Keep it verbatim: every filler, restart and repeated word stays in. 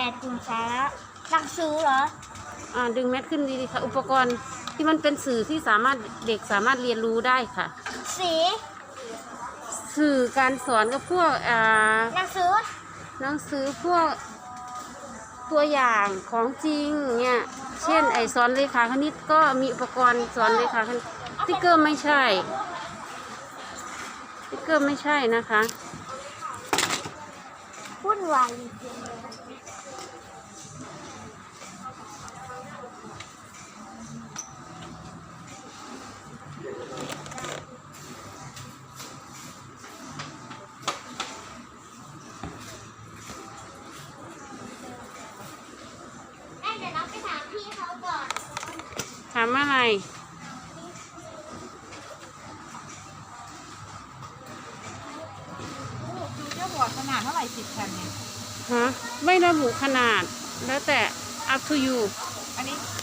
ดกลุ่มสาระหนังสือเหรออ่าดึงแมสขึ้นดีๆค่ะอุปกรณ์ที่มันเป็นสื่อที่สามารถเด็กสามารถเรียนรู้ได้ค่ะสีสื่อการสอนกับพวกอ่าหนังสือหนังสือพวกตัวอย่างของจริงเนี่ยเช่นไอสอนเลขาคณิตก็มีอุปกรณ์สอนเลขาคณิตสติ๊กเกอร์ไม่ใช่สติ๊กเกอร์ไม่ใช่นะคะวุ่นวายจริงเดี๋ยวเราไปถามพี่เขาก่อนถามอะไรดูเจ้าบอร์ดขนาดเท่าไหร่สิบแผ่นเนี่ยฮะไม่ระบุขนาดแล้วแต่ up to you อันนี้